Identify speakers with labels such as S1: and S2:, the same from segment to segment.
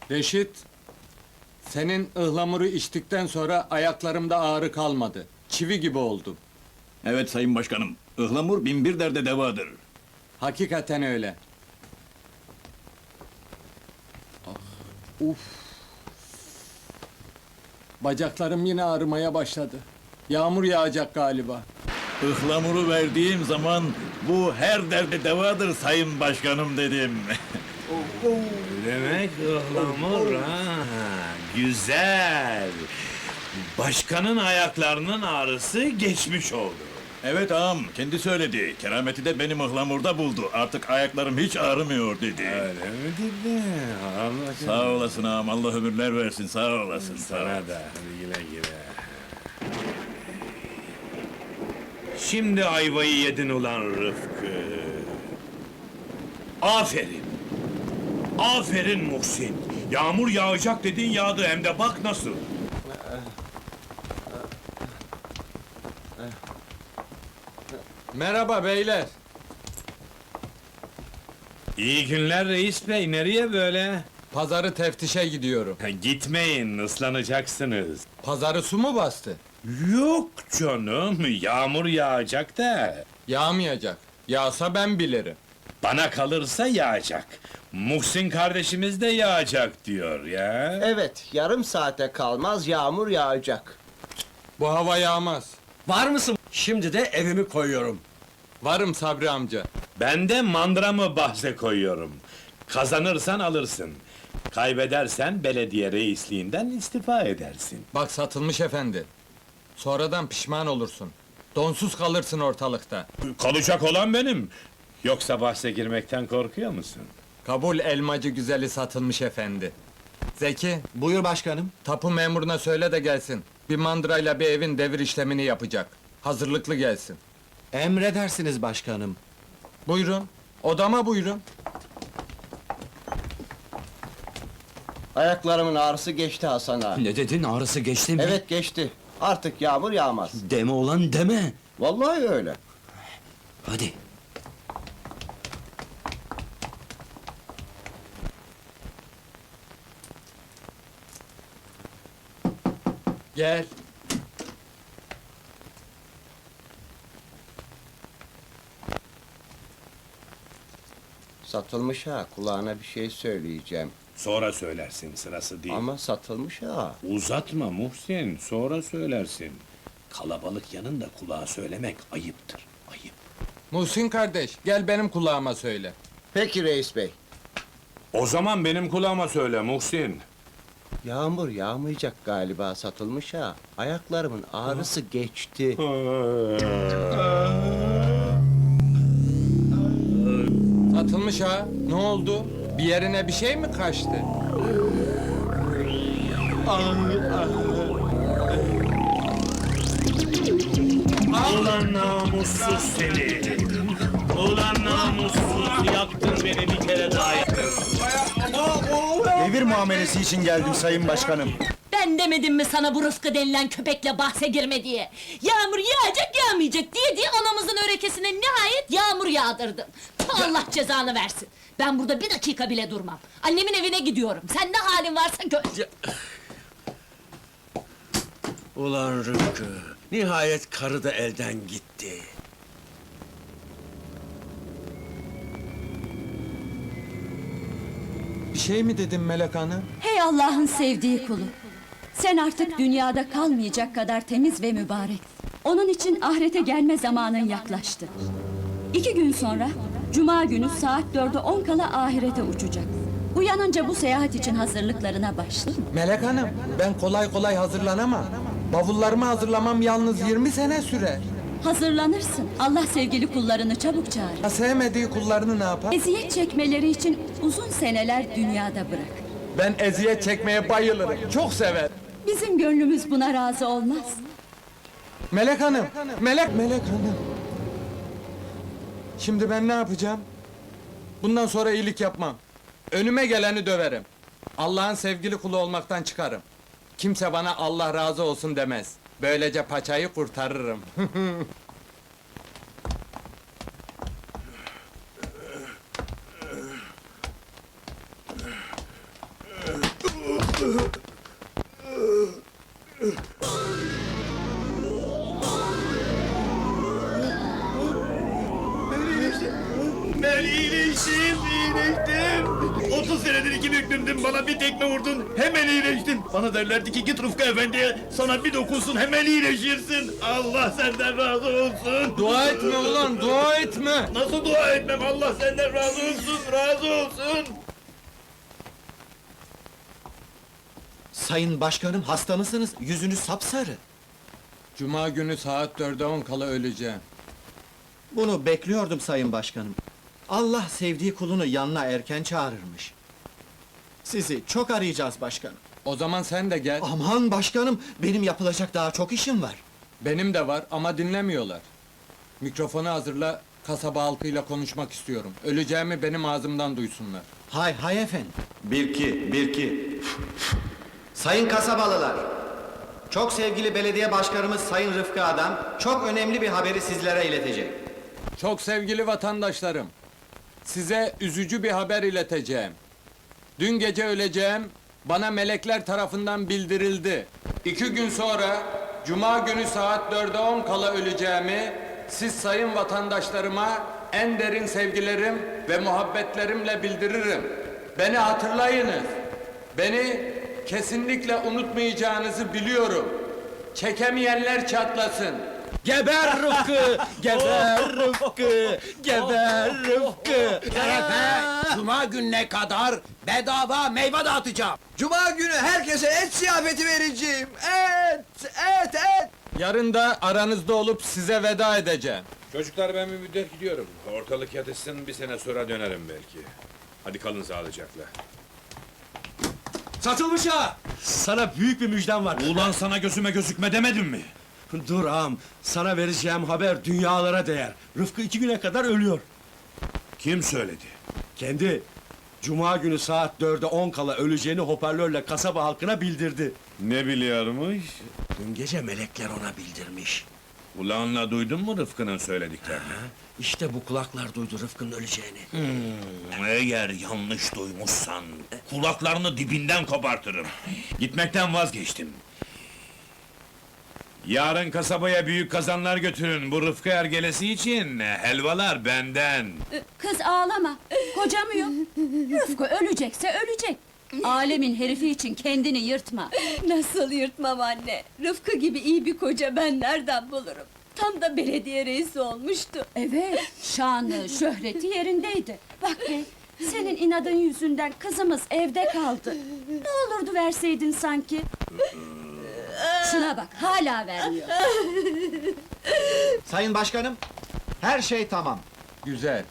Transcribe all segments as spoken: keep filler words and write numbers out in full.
S1: Reşit, senin ıhlamuru içtikten sonra ayaklarımda ağrı kalmadı. Çivi gibi oldum.
S2: Evet sayın başkanım, ıhlamur binbir derde devadır.
S1: Hakikaten öyle. Ah, uf. Bacaklarım yine ağrımaya başladı. Yağmur yağacak galiba.
S2: Ihlamuru verdiğim zaman, bu her derde devadır sayın başkanım dedim.
S3: Demek ıhlamur ha, güzel. Başkanın ayaklarının ağrısı geçmiş oldu.
S2: Evet ağam, kendi söyledi. Kerameti de benim ıhlamurda buldu. Artık ayaklarım hiç ağrımıyor dedi.
S3: Öyle mi dedi? Allah
S2: Sağ olasın ağam, Allah ömürler versin, sağ olasın. Sağ ol.
S3: sana da, hadi güle güle. Şimdi ayvayı yedin ulan Rıfkı. Aferin. Aferin Muhsin. Yağmur yağacak dedin, yağdı, hem de bak nasıl.
S1: Merhaba beyler.
S3: İyi günler reis bey, nereye böyle?
S1: Pazarı teftişe gidiyorum.
S3: Ha, gitmeyin, ıslanacaksınız.
S1: Pazarı su mu bastı?
S3: Yok canım, yağmur yağacak da.
S1: Yağmayacak. Yağsa ben bilirim.
S3: Bana kalırsa yağacak. Muhsin kardeşimiz de yağacak diyor ya.
S4: Evet, yarım saate kalmaz yağmur yağacak.
S1: Bu hava yağmaz.
S5: Var mısın? Şimdi de evimi koyuyorum.
S1: Varım Sabri amca.
S3: Ben de mandramı bahse koyuyorum. Kazanırsan alırsın. Kaybedersen belediye reisliğinden istifa edersin.
S1: Bak satılmış efendi. Sonradan pişman olursun. Donsuz kalırsın ortalıkta.
S3: Kalacak olan benim. Yoksa bahse girmekten korkuyor musun?
S1: Kabul elmacı güzeli satılmış efendi. Zeki,
S5: Buyur başkanım.
S1: tapu memuruna söyle de gelsin. Bir mandrayla bir evin devir işlemini yapacak. Hazırlıklı gelsin.
S5: Emredersiniz başkanım.
S1: Buyurun. Odama buyurun.
S4: Ayaklarımın ağrısı geçti Hasan ağa.
S5: Ne dedin, ağrısı geçti mi?
S4: Evet geçti. Artık yağmur yağmaz.
S5: Deme ulan deme.
S4: Vallahi öyle.
S5: Hadi.
S1: Gel.
S4: Satılmış ha, kulağına bir şey söyleyeceğim.
S3: Sonra söylersin, sırası değil.
S4: Ama satılmış ha.
S3: Uzatma Muhsin, sonra söylersin. Kalabalık yanında kulağa söylemek ayıptır, ayıp.
S1: Muhsin kardeş, gel benim kulağıma söyle.
S4: Peki reis bey.
S3: O zaman benim kulağıma söyle Muhsin.
S4: Yağmur yağmayacak galiba satılmış ha. Ayaklarımın ağrısı geçti.
S1: Satılmış ha. Ne oldu? Bir yerine bir şey mi kaçtı?
S3: Ulan namussuz seni! Ulan namussuz, yaktın beni bir kere daha yaktın.
S6: Devir muamelesi için geldim sayın başkanım.
S7: Ben demedim mi sana bu Rıfkı denilen köpekle bahse girme diye? Yağmur yağacak yağmayacak diye diye anamızın örekesine nihayet yağmur yağdırdın. Allah cezanı versin. Ben burada bir dakika bile durmam. Annemin evine gidiyorum. Sen ne halin varsa gör.
S5: Ulan Rıfkı, nihayet karı da elden gitti.
S1: Bir şey mi dedim Melek Hanım?
S8: Hey Allah'ın sevdiği kulu! Sen artık dünyada kalmayacak kadar temiz ve mübarek. Onun için ahirete gelme zamanın yaklaştı. İki gün sonra, Cuma günü saat dörde on kala ahirete uçacak. Uyanınca bu seyahat için hazırlıklarına başla.
S1: Melek Hanım, ben kolay kolay hazırlanamam. Bavullarımı hazırlamam yalnız yirmi sene sürer.
S8: Hazırlanırsın. Allah sevgili kullarını çabuk çağırır.
S1: Ya sevmediği kullarını ne yapar?
S8: Eziyet çekmeleri için uzun seneler dünyada bırak.
S1: Ben eziyet çekmeye bayılırım, çok sever.
S8: Bizim gönlümüz buna razı olmaz.
S1: Melek Hanım, Melek, Melek Hanım. Şimdi ben ne yapacağım? Bundan sonra iyilik yapmam. Önüme geleni döverim. Allah'ın sevgili kulu olmaktan çıkarım. Kimse bana Allah razı olsun demez. Böylece paçayı kurtarırım.
S2: Hemen iyileştim, iyileştim. Otuz senedir iki büklümdüm, bana bir tekme vurdun, hemen iyileştim. Bana derlerdi ki git Rıfkı Efendi'ye, sana bir dokunsun hemen iyileşirsin. Allah senden razı olsun.
S1: Dua etme ulan, dua etme!
S2: Nasıl dua etmem, Allah senden razı olsun, razı olsun.
S6: Sayın başkanım hasta mısınız? Yüzünüz sapsarı.
S1: Cuma günü saat dörde on kala öleceğim.
S6: Bunu bekliyordum sayın başkanım. Allah sevdiği kulunu yanına erken çağırırmış. Sizi çok arayacağız başkanım.
S1: O zaman sen de gel.
S6: Aman başkanım, benim yapılacak daha çok işim var.
S1: Benim de var ama dinlemiyorlar. Mikrofonu hazırla, kasaba halkıyla konuşmak istiyorum. Öleceğimi benim ağzımdan duysunlar.
S6: Hay hay efendim. Bir iki, bir iki. Sayın kasabalılar, çok sevgili belediye başkanımız Sayın Rıfkı Adam, çok önemli bir haberi sizlere iletecek.
S1: Çok sevgili vatandaşlarım, size üzücü bir haber ileteceğim. Dün gece öleceğim, bana melekler tarafından bildirildi. İki gün sonra, Cuma günü saat dörde on kala öleceğimi, siz sayın vatandaşlarıma en derin sevgilerim ve muhabbetlerimle bildiririm. Beni hatırlayınız. Beni kesinlikle unutmayacağınızı biliyorum. Çekemeyenler çatlasın.
S5: Geber Rıfkı! Geber Rıfkı! Geber Rıfkı!
S9: Şerefe, Cuma gününe kadar bedava meyve dağıtacağım. Cuma günü herkese et ziyafeti vereceğim. Et, et, et.
S1: Yarın da aranızda olup size veda edeceğim.
S3: Çocuklar ben bir müddet gidiyorum. Ortalık yatışsın bir sene sonra dönerim belki. Hadi kalın sağlıcakla.
S5: Satılmış ha! Sana büyük bir müjdem var.
S2: Ulan sana gözüme gözükme demedim mi?
S5: Dur ağam, sana vereceğim haber dünyalara değer. Rıfkı iki güne kadar ölüyor.
S2: Kim söyledi?
S5: Kendi, Cuma günü saat dörde on kala öleceğini hoparlörle kasaba halkına bildirdi.
S2: Ne biliyormuş?
S5: Dün gece melekler ona bildirmiş.
S3: Ulanla duydun mu Rıfkı'nın söylediklerini?
S5: İşte bu kulaklar duydu Rıfkı'nın öleceğini.
S2: Hmm, eğer yanlış duymuşsan, kulaklarını dibinden kopartırım. Gitmekten vazgeçtim.
S3: Yarın kasabaya büyük kazanlar götürün bu Rıfkı ergelesi için. Helvalar benden.
S8: Kız ağlama, kocamıyor. Rıfkı ölecekse ölecek. Alemin herifi için kendini yırtma.
S10: Nasıl yırtmam anne? Rıfkı gibi iyi bir koca ben nereden bulurum? Tam da belediye reisi olmuştu.
S8: Evet, şanı, şöhreti yerindeydi. Bak be, senin inadın yüzünden kızımız evde kaldı. Ne olurdu verseydin sanki? Şuna bak, hala vermiyor.
S6: Sayın başkanım, her şey tamam.
S1: Güzel.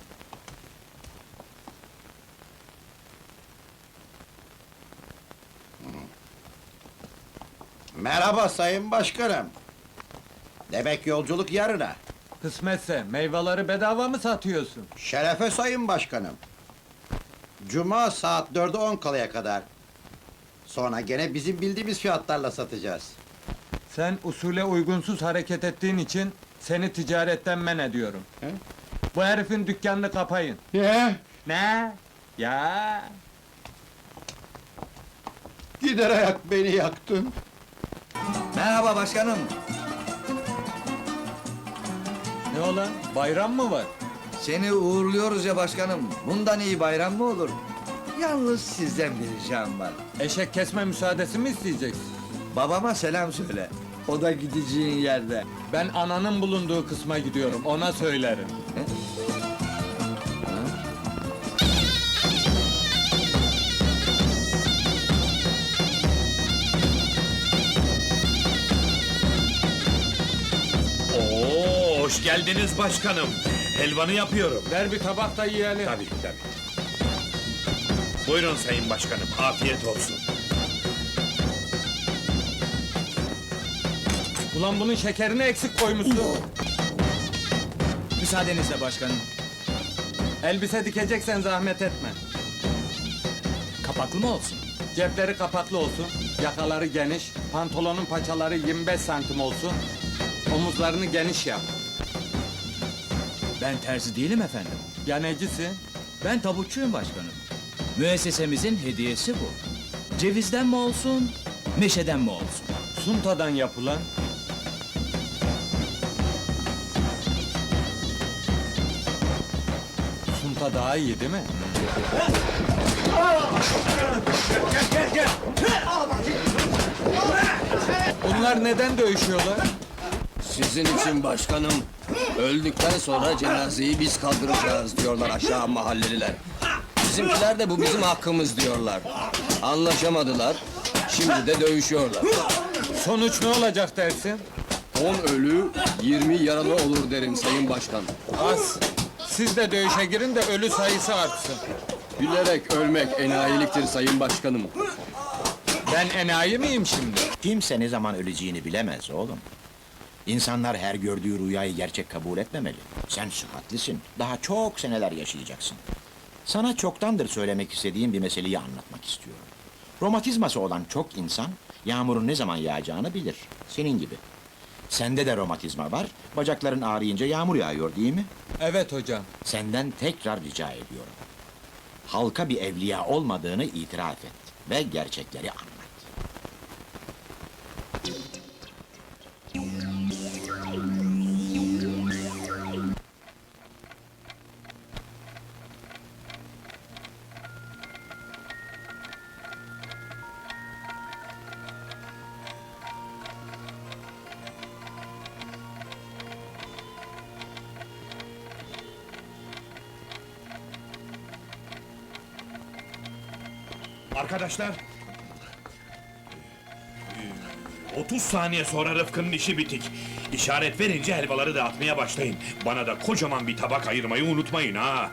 S4: Merhaba sayın başkanım. Demek yolculuk yarına.
S1: Kısmetse meyveleri bedava mı satıyorsun?
S4: Şerefe sayın başkanım. Cuma saat dörde on kalaya kadar. Sonra gene bizim bildiğimiz fiyatlarla satacağız.
S1: Sen usule uygunsuz hareket ettiğin için seni ticaretten men ediyorum.
S4: He?
S1: Bu herifin dükkanını kapayın.
S4: Ye,
S1: Ne? Ya?
S4: gider ayak beni yaktın.
S9: Merhaba başkanım.
S1: Ne olan? Bayram mı var?
S9: Seni uğurluyoruz ya başkanım. Bundan iyi bayram mı olur? Yalnız sizden bir ricam var.
S1: Eşek kesme müsaadesi mi isteyeceksin?
S9: Babama selam söyle. O da gideceğin yerde.
S1: Ben ananın bulunduğu kısma gidiyorum, ona söylerim.
S3: Oo, hoş geldiniz başkanım. Helvanı yapıyorum.
S1: Ver bir tabak da yiyelim.
S3: Tabii tabii. Buyurun sayın başkanım, afiyet olsun.
S1: Ulan bunun şekerini eksik koymuşsun.
S9: Müsaadenizle başkanım.
S1: Elbise dikeceksen zahmet etme.
S9: Kapaklı mı olsun?
S1: Cepleri kapaklı olsun, yakaları geniş, pantolonun paçaları yirmi beş santim olsun, omuzlarını geniş yap.
S9: Ben terzi değilim efendim.
S1: Ya necisin?
S9: Ben tabutçuyum başkanım. Müessesemizin hediyesi bu. Cevizden mi olsun, meşeden mi olsun?
S1: Suntadan yapılan. Çanta daha iyi değil mi? Bunlar neden dövüşüyorlar?
S9: Sizin için başkanım. Öldükten sonra cenazeyi biz kaldıracağız diyorlar aşağı mahalleliler. Bizimkiler de bu bizim hakkımız diyorlar. Anlaşamadılar. Şimdi de dövüşüyorlar.
S1: Sonuç ne olacak dersin?
S9: On ölü, yirmi yaralı olur derim sayın başkan.
S1: Az. Siz de dövüşe girin de ölü sayısı artsın.
S9: Bilerek ölmek enayiliktir sayın başkanım.
S1: Ben enayi miyim şimdi?
S11: Kimse ne zaman öleceğini bilemez oğlum. İnsanlar her gördüğü rüyayı gerçek kabul etmemeli. Sen sıhhatlisin, daha çok seneler yaşayacaksın. Sana çoktandır söylemek istediğim bir meseleyi anlatmak istiyorum. Romatizması olan çok insan, yağmurun ne zaman yağacağını bilir. Senin gibi. Sende de romatizma var, bacakların ağrıyınca yağmur yağıyor değil mi?
S1: Evet hocam.
S11: Senden tekrar rica ediyorum. Halka bir evliya olmadığını itiraf et ve gerçekleri anlat.
S2: Arkadaşlar... otuz saniye sonra Rıfkı'nın işi bitik. İşaret verince helvaları dağıtmaya başlayın. Bana da kocaman bir tabak ayırmayı unutmayın ha!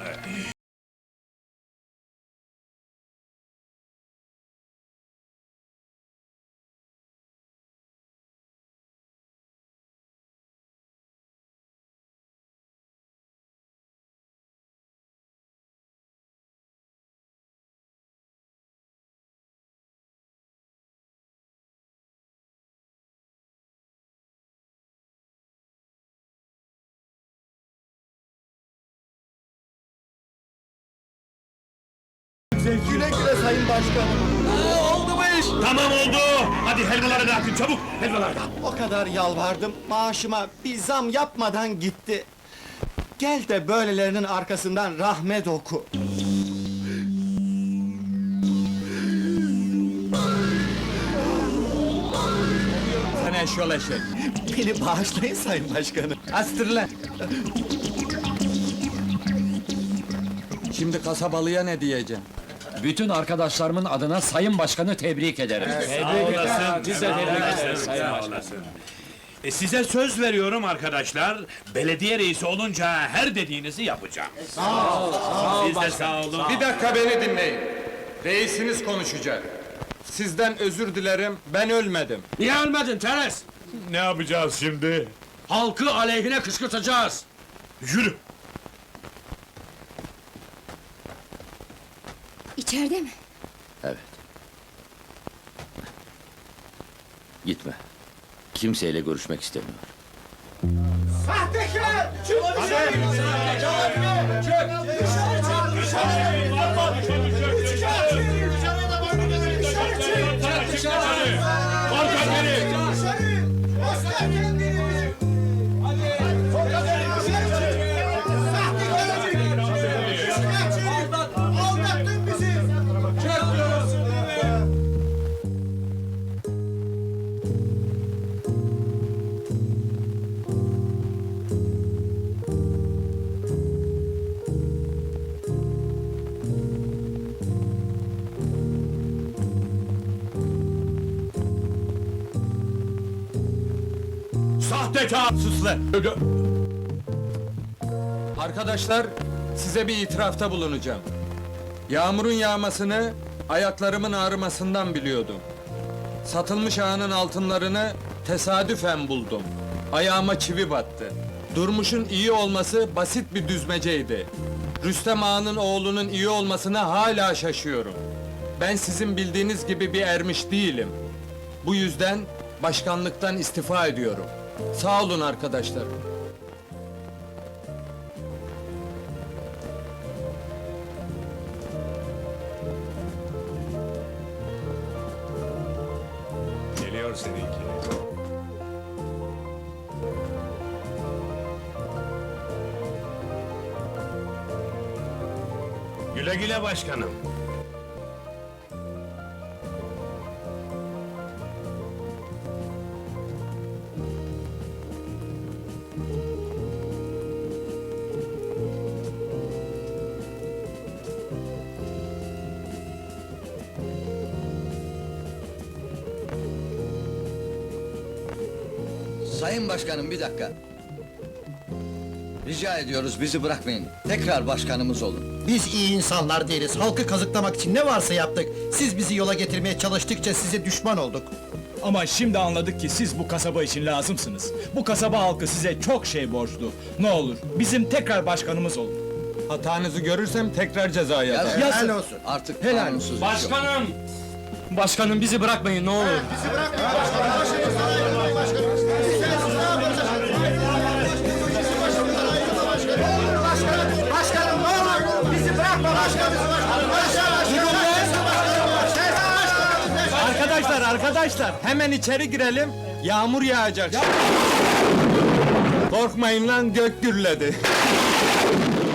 S9: Güle güle sayın başkanım. oldu bu iş.
S2: Tamam oldu! Hadi helvaları dağıtın çabuk! Helvaları dağıt!
S6: O kadar yalvardım, maaşıma bir zam yapmadan gitti. Gel de böylelerinin arkasından rahmet oku.
S1: Sen eşyol eşek.
S6: Beni bağışlayın sayın başkanım.
S1: Astır lan! Şimdi kasabalıya ne diyeceğim?
S3: Bütün arkadaşlarımın adına sayın başkanı tebrik ederim.
S2: Sağ olasın, biz de Sayın olasın. E, size söz veriyorum arkadaşlar, belediye reisi olunca her dediğinizi yapacağım. Sağ ol, sağ ol. Siz de sağ olun.
S1: Bir dakika beni dinleyin. Reisiniz konuşacak. Sizden özür dilerim, ben ölmedim.
S3: Niye ölmedin Teres?
S2: Ne yapacağız şimdi?
S3: Halkı aleyhine kışkırtacağız.
S2: Yürü!
S10: İçeride mi?
S9: Evet. Gitme. Kimseyle görüşmek istemiyor.
S2: Sahtekar! Sus lan!
S1: Arkadaşlar, size bir itirafta bulunacağım. Yağmurun yağmasını, ayaklarımın ağrımasından biliyordum. Satılmış ağanın altınlarını tesadüfen buldum. Ayağıma çivi battı. Durmuş'un iyi olması basit bir düzmeceydi. Rüstem ağanın oğlunun iyi olmasına hala şaşıyorum. Ben sizin bildiğiniz gibi bir ermiş değilim. Bu yüzden başkanlıktan istifa ediyorum. Sağ olun arkadaşlar.
S2: Geliyor seninki.
S3: Güle güle başkanım.
S9: Sayın başkanım bir dakika. Rica ediyoruz bizi bırakmayın. Tekrar başkanımız olun.
S6: Biz iyi insanlar değiliz. Halkı kazıklamak için ne varsa yaptık. Siz bizi yola getirmeye çalıştıkça size düşman olduk.
S2: Ama şimdi anladık ki siz bu kasaba için lazımsınız. Bu kasaba halkı size çok şey borçlu. Ne olur bizim tekrar başkanımız olun.
S1: Hatanızı görürsem tekrar ceza yazarım.
S9: Yaz-
S6: Helal olsun.
S9: Artık
S2: Helal
S9: kanunsuz iş yok.
S2: Başkanım! Başkanım bizi bırakmayın ne olur.
S1: Arkadaşlar, arkadaşlar, hemen içeri girelim. Yağmur yağacak. Korkmayın lan, gök gürledi.